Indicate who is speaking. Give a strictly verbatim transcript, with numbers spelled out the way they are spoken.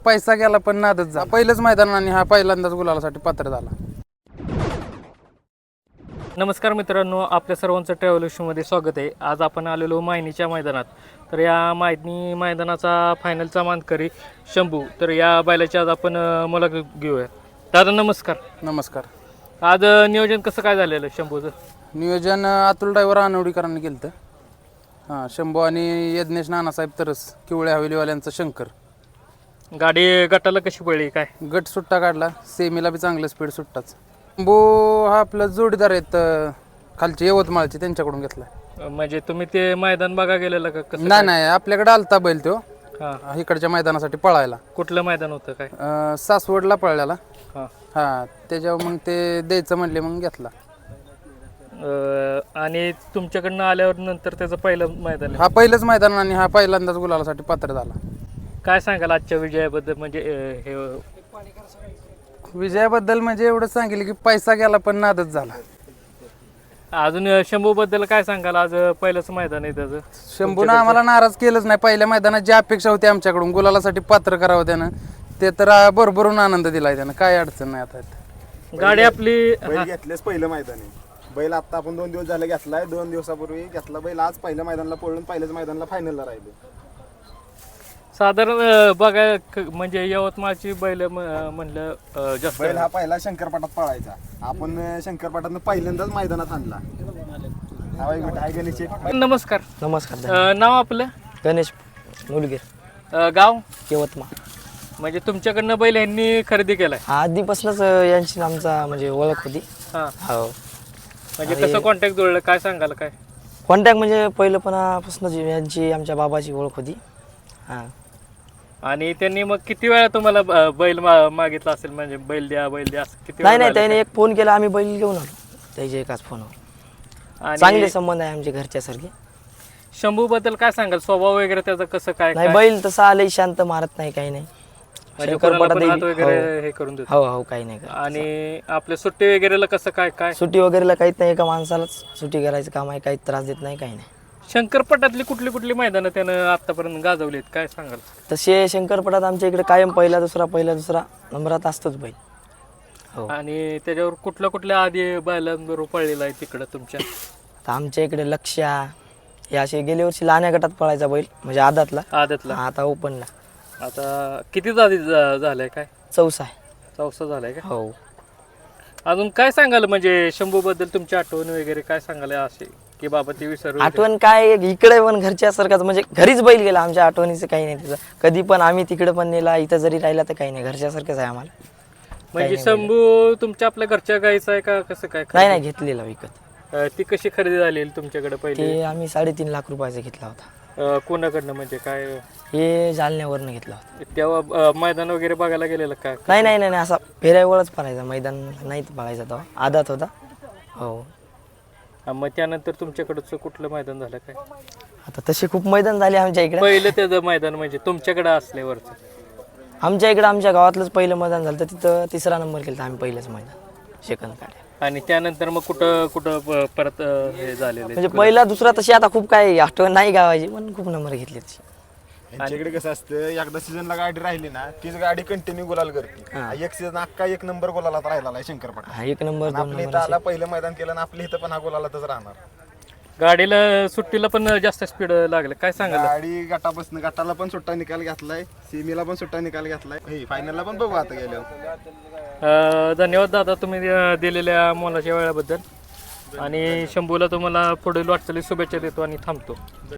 Speaker 1: पैसा गेला पण नादच झाला. पहिलंच मैदान आणि हा पहिल्यांदाच गुलालासाठी पात्र झाला.
Speaker 2: नमस्कार मित्रांनो, आपल्या सर्वांचं ट्रॅव्हल शोमध्ये स्वागत आहे. आज आपण आलेलो मायनीच्या मैदानात. तर या मायनी मैदानाचा फायनलचा मानकरी शंभू, तर या बैलाची आज आपण मुलाखत घेऊया. दादा नमस्कार.
Speaker 1: नमस्कार.
Speaker 2: आज नियोजन कसं काय झालेलं शंभूचं?
Speaker 1: नियोजन अतुल ड्रायव्हर आनवडीकरांनी केलं होतं. हां, शंभू आणि यज्ञेश नानासाहेब तरस किवळे हवेलीवाल्यांचा शंकर.
Speaker 2: गाडी गटाला कशी पडली काय?
Speaker 1: गट सुट्टा काढला, सेमीला बी चांगलं स्पीड सुट्टाच. शंभू हा आपला जोडीदार आहेत खालचे यवतमाळचे, त्यांच्याकडून घेतला.
Speaker 2: म्हणजे तुम्ही ते मैदान बघा गेलेलं का कसं?
Speaker 1: नाही नाही, आपल्याकडे आलता बैल तो
Speaker 2: हां.
Speaker 1: इकडच्या मैदानासाठी पळायला.
Speaker 2: कुठलं मैदान होतं काय?
Speaker 1: अं, सासवडला पळल्याला.
Speaker 2: हां.
Speaker 1: हां, त्याच्यावर मग ते द्यायचं म्हणले, मग घेतला.
Speaker 2: आणि तुमच्याकडनं आल्यावर नंतर त्याचं पहिलं मैदान आहे.
Speaker 1: हा पहिलंच मैदान आणि हा पहिल्यांदाच गुलालासाठी पात्र झाला.
Speaker 2: काय सांगाल आजच्या विजयाबद्दल? म्हणजे अं, हे
Speaker 1: विजयाबद्दल म्हणजे एवढंच सांगितलं की पैसा गेला पण नादच झाला.
Speaker 2: अजून शंभू बद्दल काय सांगाल? आज पहिलंच मैदान आहे त्याचं.
Speaker 1: शंभूनं आम्हाला नाराज केलंच नाही. पहिल्या मैदानात जी अपेक्षा होती आमच्याकडून गुलालासाठी पात्र करावं त्यानं, ते तर भरभरून आनंद दिलाय त्यानं. काय अडचण नाही. आता
Speaker 2: गाडी आपली
Speaker 3: बैल घेतलेच पहिलं मैदान आहे. बैल आता आपण दोन दिवस झाले घेतलाय, दोन दिवसापूर्वी घेतला बैल. आज पहिल्या मैदानाला पळून पहिल्याच मैदानाला फायनलला राहिलो.
Speaker 2: साधारण अं, बघा क- म्हणजे यवतमाळची बैल म- म्हणलं अं, जास्त
Speaker 3: बैल हा पहिला शंकरपाटात पळायचा. आपण अं, शंकरपाटातनं पहिल्यांदाच मैदानात आणला. हा बाई बेटा, हाय गणेश शेठ.
Speaker 2: नमस्कार.
Speaker 4: नमस्कार.
Speaker 2: अं, नाव आपलं?
Speaker 4: गणेश मुलगीर,
Speaker 2: अं, गाव?
Speaker 4: यवतमाळ.
Speaker 2: म्हणजे तुमच्याकडनं बैल यांनी खरेदी केलाय?
Speaker 4: आधीपासूनच अं, यांची आमचा म्हणजे ओळख होती.
Speaker 2: हा.
Speaker 4: हो,
Speaker 2: म्हणजे कसं कॉन्टॅक्ट जुळलं काय सांगाल काय?
Speaker 4: कॉन्टॅक्ट म्हणजे पहिलंपणापासूनच यांची आमच्या बाबाची ओळख होती. हां.
Speaker 2: आणि त्यांनी मग किती वेळा तुम्हाला अं, बैल मा- मागितला असेल? म्हणजे बैल द्या बैल द्या असं किती
Speaker 4: नाही
Speaker 2: वेळा
Speaker 4: नाही,
Speaker 2: झालं?
Speaker 4: त्याने एक फोन केला, आम्ही बैल घेऊन आलो त्याच्या एकाच फोनवर.
Speaker 2: आणि
Speaker 4: चांगले संबंध आहे आमच्या घरच्यासारखे.
Speaker 2: शंभू बद्दल काय सांगाल? स्वभाव वगैरे त्याचं कसं काय?
Speaker 4: नाही,
Speaker 2: काय?
Speaker 4: बैल तसा आलंय, शांत मारत नाही, काही नाही.
Speaker 2: म्हणजे कोणाला पण
Speaker 4: शंकरपटात
Speaker 2: हात
Speaker 4: देवी-
Speaker 2: वगैरे हे करून देतो.
Speaker 4: हो हो, काही नाही करत.
Speaker 2: आणि आपल्या सुट्टी वगैरेला कसं काय काय?
Speaker 4: सुट्टी वगैरेला काहीच नाही, एका माणसालाच सुट्टी करायचं काम आहे, काही त्रास देत नाही, काही नाही.
Speaker 2: शंकरपटातली कुठली कुठली मैदानं त्यानं आतापर्यंत गाजवलीत काय सांगाल?
Speaker 4: तसे शंकरपटात आमच्या इकडे कायम पहिला दुसरा पहिला दुसरा नंबरात असतोच बैल. हो.
Speaker 2: आणि त्याच्यावर कुठल्या कुठल्या आधी बैलांबरोबर पळलेला आहे तिकडं तुमच्या?
Speaker 4: तर आमच्या इकडे लक्ष्या हे असे गेल्या वर्षी लहान्या गटात पळायचा बैल, म्हणजे आदातला.
Speaker 2: आदतला.
Speaker 4: आता ओपनला
Speaker 2: आता किती आधी झा- झालंय काय?
Speaker 4: चौसा आहे.
Speaker 2: चौसा झालाय का?
Speaker 4: हो.
Speaker 2: अजून काय सांगाल म्हणजे शंभू बद्दल तुमची आठवण वगैरे काय सांगाल असे की बाबा ती विसरू?
Speaker 4: आठवण काय, इकडे पण घरच्यासारखाच, म्हणजे घरीच बैल गेला. आमच्या आठवणीचं काही नाही त्याचं. कधी पण आम्ही तिकडे पण नेला, इथं जरी राहिला तर काही नाही, घरच्यासारखंच आहे आम्हाला.
Speaker 2: म्हणजे शंभू तुमच्या आपल्या घरच्या गायचा आहे का कसं काय?
Speaker 4: नाही नाही, घेतलेला विकत.
Speaker 2: अं, ती कशी खरेदी झाली तुमच्याकडे पहिले?
Speaker 4: ते आम्ही साडेतीन लाख रुपयाचा घेतला होता.
Speaker 2: अं, कोणाकडनं म्हणजे काय?
Speaker 4: हे जालन्यावरनं घेतला होता.
Speaker 2: तेव्हा अं, मैदान वगैरे बघायला गेलेलं का?
Speaker 4: नाही नाही नाही नाही, असा फेऱ्यावरच पळायचा, मैदान नाही पळायचा तेव्हा, आदात होता. हो.
Speaker 2: अं, मग त्यानंतर तुमच्याकडचं कुठलं मैदान झालं काय?
Speaker 4: आता तसे खूप मैदान झाले आमच्या इकडे.
Speaker 2: पहिलं त्याचं मैदान म्हणजे तुमच्याकडे असल्यावरचं?
Speaker 4: आमच्या इकडे आमच्या गावातलंच पहिलं मैदान झालं, तर तिथं तिसरा नंबर केला आम्ही पहिलंच मैदान सेकंद काढ्या.
Speaker 2: आणि त्यानंतर मग कुठं कुठं प- परत अं, हे झालेलं
Speaker 4: म्हणजे पहिला दुसरा तशी आता खूप काय आठवण नाही गावाची, पण खूप नंबर घेतले तशी.
Speaker 3: यांच्याकडे कसं असतं, एकदा सीझनला गाडी राहिली ना, तीच गाडी कंटिन्यू गुलाल करते. एक सीझन अख्खा एक नंबर गुलालात राहिला आहे शंकरपाट.
Speaker 4: हा, एक नंबर दोन
Speaker 3: आपल्या इथं आला, पहिलं मैदान केलं ना, आपल्या इथं पण हा गुलालातच राहणार.
Speaker 2: गाडीला सुट्टीला पण जास्त स्पीड लागलं काय सांगाल?
Speaker 3: गाडी गटापासून गटाला पण सुट्टा निकाल घेतलाय, सेमीला पण सुट्टा निकाल घेतलाय, फायनलला पण बघू आता गेल्यावर.
Speaker 2: अं, धन्यवाद दादा तुम्ही अं, दिलेल्या मोलाच्या वेळाबद्दल. आणि शंभूला तुम्हाला पुढील वाटचाली शुभेच्छा देतो आणि थांबतो.